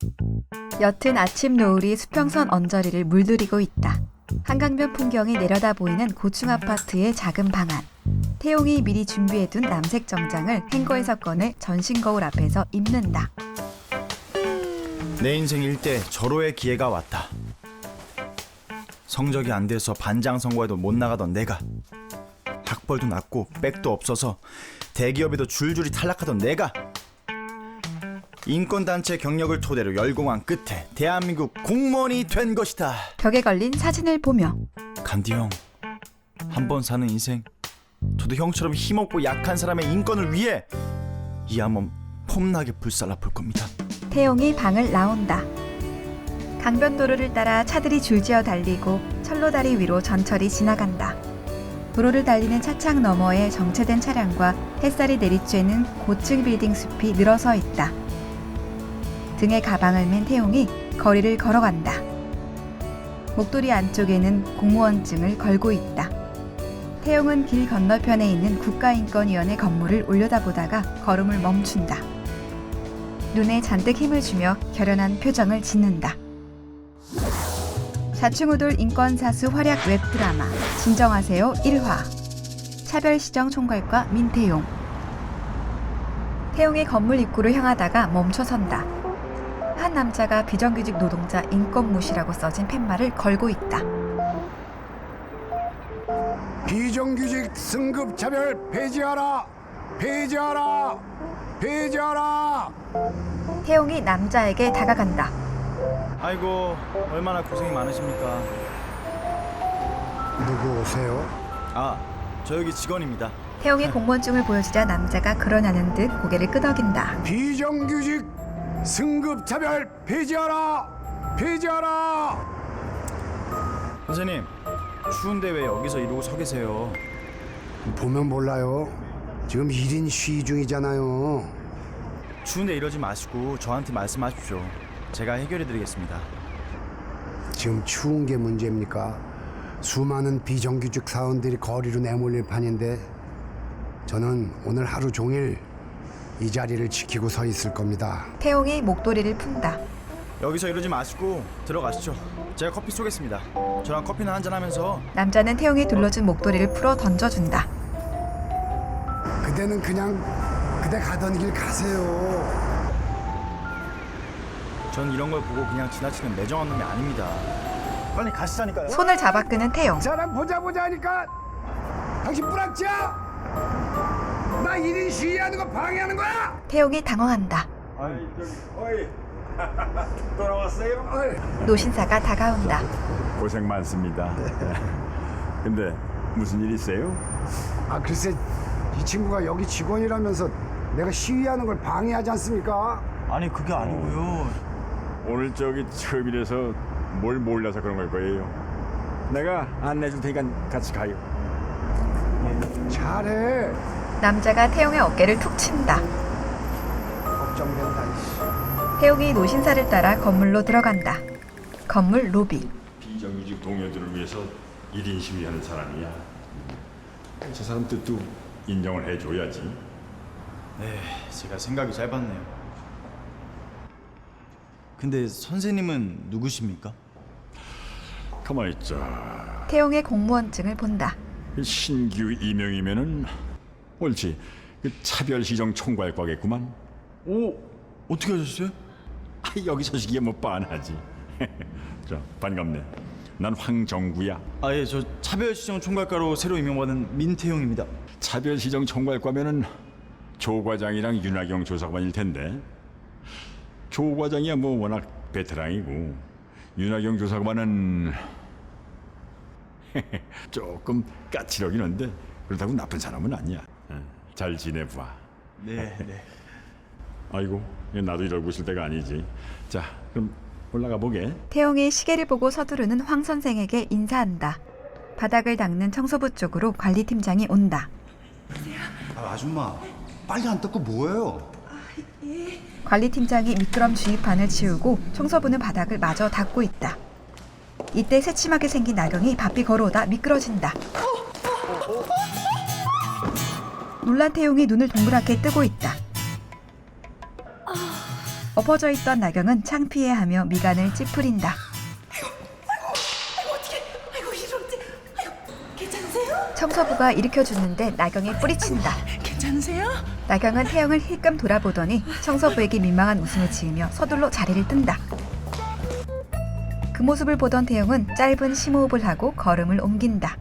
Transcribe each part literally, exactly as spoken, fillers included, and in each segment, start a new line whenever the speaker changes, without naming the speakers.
옅은 아침 노을이 수평선 언저리를 물들이고 있다. 한강변 풍경이 내려다 보이는 고층 아파트의 작은 방 안. 태용이 미리 준비해둔 남색 정장을 행거에서 꺼내 전신 거울 앞에서 입는다.
내 인생 일대 절호의 기회가 왔다. 성적이 안 돼서 반장 선거에도 못 나가던 내가, 학벌도 낮고 백도 없어서 대기업에도 줄줄이 탈락하던 내가, 인권단체 경력을 토대로 열공한 끝에 대한민국 공무원이 된 것이다.
벽에 걸린 사진을 보며
간디 형, 한 번 사는 인생, 저도 형처럼 힘없고 약한 사람의 인권을 위해 이 한 몸 폼나게 불살라 볼 겁니다.
태용이 방을 나온다. 강변도로를 따라 차들이 줄지어 달리고 철로다리 위로 전철이 지나간다. 도로를 달리는 차창 너머에 정체된 차량과 햇살이 내리쬐는 고층 빌딩 숲이 늘어서 있다. 등에 가방을 맨 태용이 거리를 걸어간다. 목도리 안쪽에는 공무원증을 걸고 있다. 태용은 길 건너편에 있는 국가인권위원회 건물을 올려다보다가 걸음을 멈춘다. 눈에 잔뜩 힘을 주며 결연한 표정을 짓는다. 좌충우돌 인권사수 활약 웹드라마 진정하세요 일 화. 차별시정 총괄과 민태용. 태용이 건물 입구로 향하다가 멈춰선다. 한 남자가 비정규직 노동자 인권무시라고 써진 팻말을 걸고 있다.
비정규직 승급차별 폐지하라! 폐지하라! 폐지하라!
태용이 남자에게 다가간다.
아이고, 얼마나 고생이 많으십니까.
누구 오세요?
아, 저 여기 직원입니다.
태용이 공무원증을 보여주자 남자가 그러냐는 듯 고개를 끄덕인다.
비정규직 승급차별 폐지하라! 폐지하라!
선생님, 추운데 왜 여기서 이러고 서 계세요?
보면 몰라요. 지금 일 인 시위 중이잖아요.
추운데 이러지 마시고 저한테 말씀하십시오. 제가 해결해드리겠습니다.
지금 추운 게 문제입니까? 수많은 비정규직 사원들이 거리로 내몰릴 판인데 저는 오늘 하루 종일 이 자리를 지키고 서 있을 겁니다.
태용이 목도리를 푼다.
여기서 이러지 마시고 들어가시죠. 제가 커피 쏘겠습니다. 저랑 커피나 한잔 하면서.
남자는 태용이 둘러준 목도리를 풀어 던져준다.
그대는 그냥 그대 가던 길 가세요.
전 이런 걸 보고 그냥 지나치는 매정한 놈이 아닙니다. 빨리 가시자니까요.
손을 잡아 끄는 태용.
사람 보자 보자 하니까 당신 뿌락지야? 나 일 인 시위하는 거 방해하는 거야?
태용이 당황한다.
아이 저기 어이 돌아왔어요?
어이.
노신사가 다가온다.
고생 많습니다. 근데 무슨 일 있어요?
아 글쎄 이 친구가 여기 직원이라면서 내가 시위하는 걸 방해하지 않습니까?
아니 그게 아니고요.
오늘 저기 처음이라서 뭘 몰라서 그런 걸 거예요. 내가 안내해 줄 테니까 같이 가요.
잘해.
남자가 태용의 어깨를 툭 친다.
걱정된다. 이씨.
태용이 노신사를 따라 건물로 들어간다. 건물 로비.
비정규직 동료들을 위해서 일 인 시위하는 사람이야. 저 사람 뜻도 인정을 해줘야지.
네, 제가 생각이 짧았네요. 근데 선생님은 누구십니까?
가만히 있자.
태용의 공무원증을 본다.
신규 임명이면은 옳지. 그 차별시정 총괄과겠구만.
오, 어떻게 하셨어요?
아, 여기 소식이야 뭐 뻔하지. 자, 반갑네. 난 황정구야.
아, 예, 저 차별시정 총괄과로 새로 임명받은 민태용입니다.
차별시정 총괄과면은 조 과장이랑 윤하경 조사관일 텐데. 조 과장이야 뭐 워낙 베테랑이고 윤하경 조사관은 조금 까칠하긴 한데 그렇다고 나쁜 사람은 아니야. 잘 지내봐.
네, 네.
아이고 나도 이러고 있을 때가 아니지. 자 그럼 올라가 보게.
태용이 시계를 보고 서두르는 황 선생에게 인사한다. 바닥을 닦는 청소부 쪽으로 관리팀장이 온다.
아, 아줌마 빨리 안 닦고 뭐해요?
관리팀장이 미끄럼 주입판을 치우고 청소부는 바닥을 마저 닦고 있다. 이때 새침하게 생긴 나경이 바삐 걸어오다 미끄러진다. 놀란 태용이 눈을 동그랗게 뜨고 있다. 엎어져 있던 나경은 창피해하며 미간을 찌푸린다. 청소부가 일으켜주는데 나경이 뿌리친다.
괜찮으세요?
나경은 태영을 힐끔 돌아보더니 청소부에게 민망한 웃음을 지으며 서둘러 자리를 뜬다. 그 모습을 보던 태영은 짧은 심호흡을 하고 걸음을 옮긴다.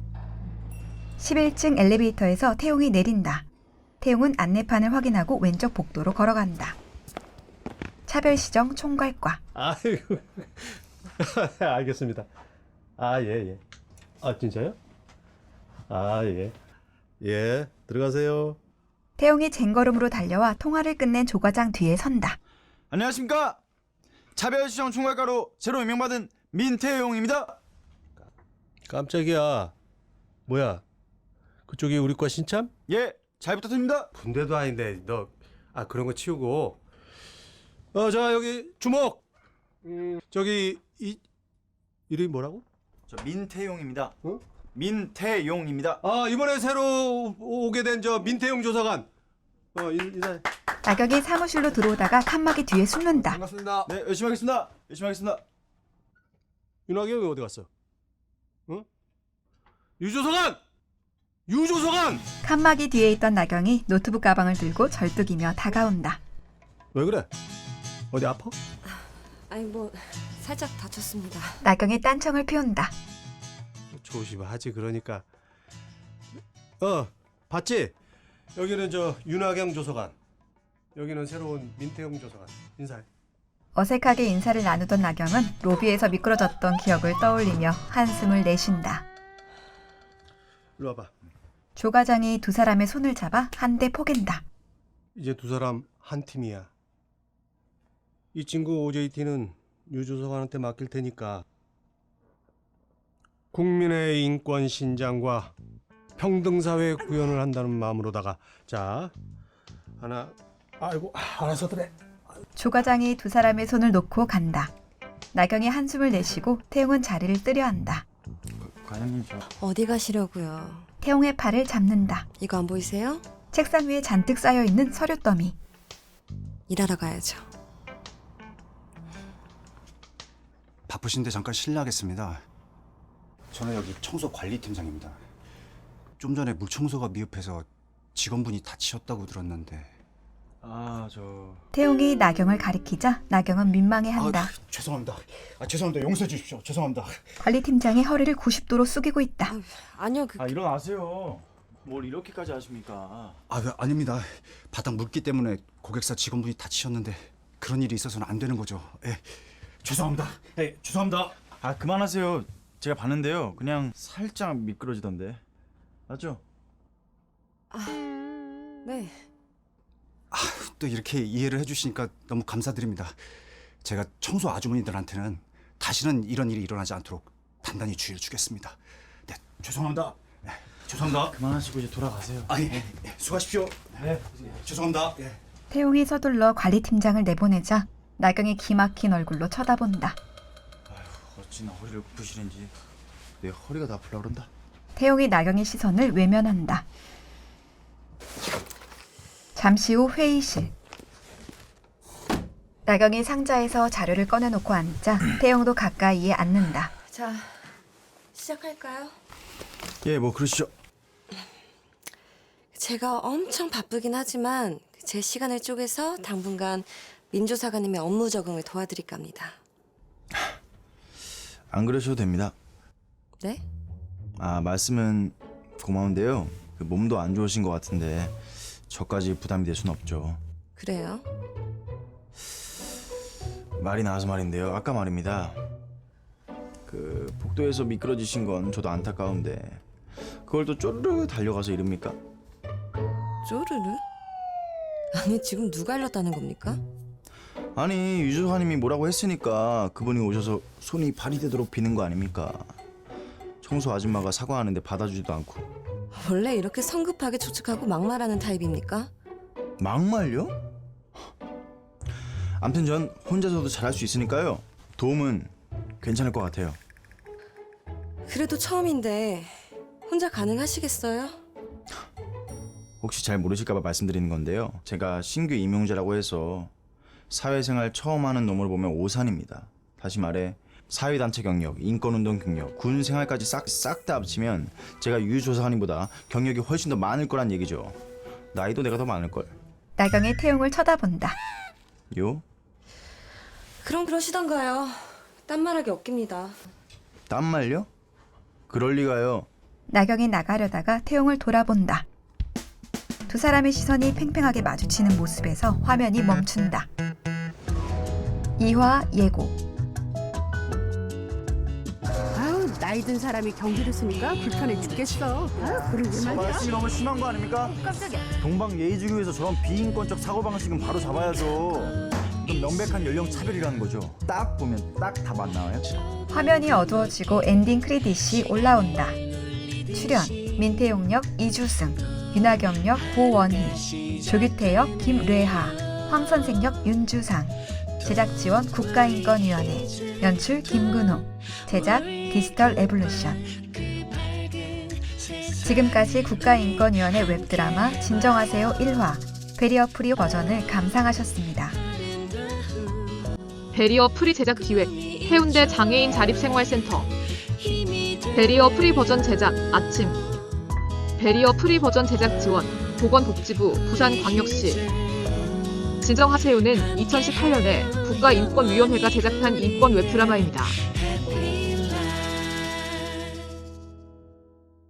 십일 층 엘리베이터에서 태용이 내린다. 태용은 안내판을 확인하고 왼쪽 복도로 걸어간다. 차별시정 총괄과.
아이고 알겠습니다. 아 예 예. 아 진짜요? 아 예. 예 들어가세요.
태용이 쟁걸음으로 달려와 통화를 끝낸 조과장 뒤에 선다.
안녕하십니까? 차별시정 총괄과로 새로 임명받은 민태용입니다.
깜짝이야. 뭐야? 그쪽이 우리 과 신참?
예, 잘 부탁드립니다.
군대도 아닌데 너 아 그런 거 치우고. 어 자 여기 주목. 음, 저기 이 이름이 뭐라고?
저 민태용입니다.
어?
민태용입니다.
아 이번에 새로 오- 오게 된 저 민태용 조사관. 어 인- 인사.
나경이 사무실로 들어오다가 칸막이 뒤에 숨는다.
반갑습니다.
네, 열심히 하겠습니다. 열심히 하겠습니다.
윤학이 형이 어디 갔어? 어? 유조사관! 유조사관!
칸막이 뒤에 있던 나경이 노트북 가방을 들고 절뚝이며 다가온다.
왜 그래? 어디 아파?
아니 뭐 살짝 다쳤습니다.
나경이 딴청을 피운다.
조심하지 그러니까. 어 봤지? 여기는 저 윤학영 조사관. 여기는 새로운 민태용 조사관. 인사해.
어색하게 인사를 나누던 나경은 로비에서 미끄러졌던 기억을 떠올리며 한숨을 내쉰다.
일로 와봐.
조 과장이 두 사람의 손을 잡아 한 대 포갠다.
이제 두 사람 한 팀이야. 이 친구 오제이티는 유 조사관한테 맡길 테니까 국민의 인권 신장과 평등사회 구현을 한다는 마음으로다가 자 하나 아이고 아, 알아서 그래.
조 과장이 두 사람의 손을 놓고 간다. 나경이 한숨을 내쉬고 태용은 자리를 뜨려 한다.
과장님 저
어디 가시려고요?
태용의 팔을 잡는다.
이거 안 보이세요?
책상 위에 잔뜩 쌓여있는 서류 더미.
일하러 가야죠.
바쁘신데 잠깐 실례하겠습니다. 저는 여기 청소 관리팀장입니다. 좀 전에 물 청소가 미흡해서 직원분이 다치셨다고 들었는데.
아, 저
태용이 나경을 가리키자 나경은 민망해한다.
아, 죄송합니다. 아, 죄송합니다. 용서해 주십시오. 죄송합니다.
관리팀장이 허리를 구십 도로 숙이고 있다.
아니요 그
아, 일어나세요. 뭘 이렇게까지 하십니까?
아, 네, 아닙니다. 바닥 물기 때문에 고객사 직원분이 다치셨는데 그런 일이 있어서는 안 되는 거죠. 예. 죄송합니다. 예, 죄송합니다.
아, 그만하세요. 제가 봤는데요. 그냥 살짝 미끄러지던데. 맞죠?
네.
또 이렇게 이해를 해주시니까 너무 감사드립니다. 제가 청소 아주머니들한테는 다시는 이런 일이 일어나지 않도록 단단히 주의를 주겠습니다. 네, 죄송합니다. 네, 죄송합니다.
그만하시고 이제 돌아가세요.
아, 예, 예, 수고하십시오.
네.
죄송합니다. 예.
태용이 서둘러 관리팀장을 내보내자 나경이 기막힌 얼굴로 쳐다본다.
어찌나 허리를 굽으시는지 내 허리가 다 아플라 그런다.
태용이 나경의 시선을 외면한다. 잠시 후 회의실. 나경이 상자에서 자료를 꺼내놓고 앉자 태용도 가까이에 앉는다.
자 시작할까요?
예, 뭐 그러시죠.
제가 엄청 바쁘긴 하지만 제 시간을 쪼개서 당분간 민조사관님의 업무 적응을 도와드릴까 합니다.
안 그러셔도 됩니다.
네?
아, 말씀은 고마운데요. 그 몸도 안 좋으신 것 같은데 저까지 부담이 될 수는 없죠.
그래요?
말이 나와서 말인데요. 아까 말입니다. 그 복도에서 미끄러지신 건 저도 안타까운데 그걸 또 쪼르르 달려가서 이릅니까?
쪼르르? 아니 지금 누가 일렀다는 겁니까?
아니, 유조사님이 뭐라고 했으니까 그분이 오셔서 손이 발이 되도록 비는 거 아닙니까? 청소 아줌마가 사과하는데 받아주지도 않고.
원래 이렇게 성급하게 추측하고 막말하는 타입입니까?
막말요? 암튼 전 혼자서도 잘할 수 있으니까요. 도움은 괜찮을 것 같아요.
그래도 처음인데 혼자 가능하시겠어요?
혹시 잘 모르실까 봐 말씀드리는 건데요. 제가 신규 임용자라고 해서 사회생활 처음 하는 놈을 보면 오산입니다. 다시 말해 사회단체 경력, 인권운동 경력, 군 생활까지 싹 싹 다 합치면 제가 유조사관님보다 경력이 훨씬 더 많을 거란 얘기죠. 나이도 내가 더 많을걸.
나경이 태용을 쳐다본다.
요?
그럼 그러시던가요. 딴 말하기 없깁니다.
딴 말요? 그럴 리가요.
나경이 나가려다가 태용을 돌아본다. 두 사람의 시선이 팽팽하게 마주치는 모습에서 화면이 멈춘다. 이화 예고.
아우 나이 든 사람이 경기를 쓰니까 불편해 죽겠어. 아 그런 게 말이야.
말씀이 너무 심한 거 아닙니까?
깜짝이야.
동방 예의주의에서 저런 비인권적 사고방식은 바로 잡아야죠. 그럼 명백한 연령 차별이라는 거죠. 딱 보면 딱 답 안 나와요?
화면이 어두워지고 엔딩 크레딧이 올라온다. 출연 민태용 역 이주승, 윤하경 역 고원희, 조규태 역 김뢰하, 황선생 역 윤주상. 제작 지원 국가인권위원회, 연출 김근호, 제작 디지털 에볼루션. 지금까지 국가인권위원회 웹드라마 진정하세요 일 화 베리어 프리 버전을 감상하셨습니다.
베리어 프리 제작 기획 해운대 장애인 자립생활센터. 베리어 프리 버전 제작 아침. 베리어 프리 버전 제작 지원 보건복지부 부산광역시. 진정하세요는 이천십팔 년에 국가인권위원회가 제작한 인권 웹드라마입니다.